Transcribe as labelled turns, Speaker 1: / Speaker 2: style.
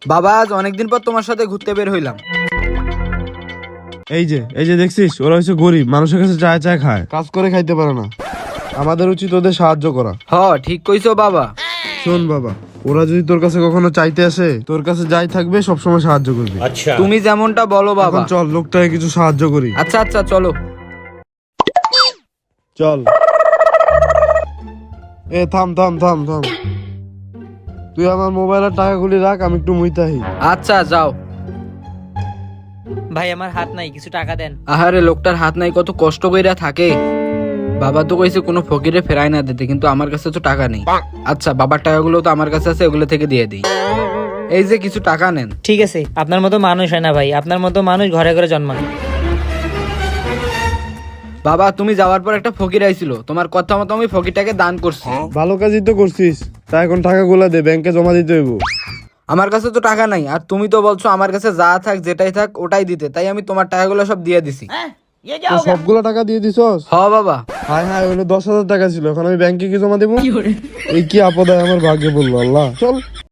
Speaker 1: বাবা আজ অনেকদিন পর তোমার সাথে ঘুরতে বের হইলাম।
Speaker 2: এই যে দেখছিস, ওরা হচ্ছে গরিব, মানুষের কাছে চায় চায় খায়, কাজ করে খাইতে পারে না। আমাদের উচিত ওদের সাহায্য করা।
Speaker 1: হ ঠিক কইছো বাবা।
Speaker 2: শোন বাবা, ওরা যদি তোর কাছে কখনো চাইতে আসে, তোর কাছে যাই থাকবে সবসময় সাহায্য করবি।
Speaker 1: তুমি যেমনটা বলো বাবা।
Speaker 2: এখন চল লোকটাকে কিছু সাহায্য করি।
Speaker 1: আচ্ছা আচ্ছা চলো।
Speaker 2: চল। থাম থাম থাম থাম, তুই আমার মোবাইলের টাকাগুলি রাখ, আমি একটু মুইতাহি।
Speaker 1: আচ্ছা যাও।
Speaker 3: ভাই আমার হাত নাই, কিছু টাকা দেন।
Speaker 1: আহারে লোকটার হাত নাই, কত কষ্ট কইরা থাকে। বাবা তো কইছে কোনো ফকিরে ফেরাই না দিতে, কিন্তু আমার কাছে তো টাকা নেই। আচ্ছা বাবার টাকাগুলো তো আমার কাছে আছে, ওগুলো থেকে দিয়ে দিই। এই যে কিছু টাকা নেন।
Speaker 3: ঠিক আছে, আপনার মতো মানুষ হয় না ভাই, আপনার মতো মানুষ ঘরে ঘরে জন্মায়।
Speaker 1: বাবা তুমি যাওয়ার পর একটা ফকির আইছিল, তোমার কথা মতো আমি ফকিরটাকে দান করছি।
Speaker 2: ভালো কাজই তো করছিস, তা এখন টাকাগুলা দে, ব্যাংকে জমা দিতে হইব।
Speaker 1: আমার কাছে তো টাকা নাই, আর তুমি তো বলছো আমার কাছে যা থাক যেটাই থাক ওটাই দিতে, তাই আমি তোমার টাকাগুলো সব দিয়ে দিছি।
Speaker 2: তো সবগুলা টাকা দিয়ে দিছস?
Speaker 1: হ বাবা।
Speaker 2: হায় হায়, ওগুলো 10,000 টাকা ছিল, এখন আমি ব্যাংকে কি জমা দেবো? এই কি আপদ আমার ভাগ্যে বললো আল্লাহ। চল।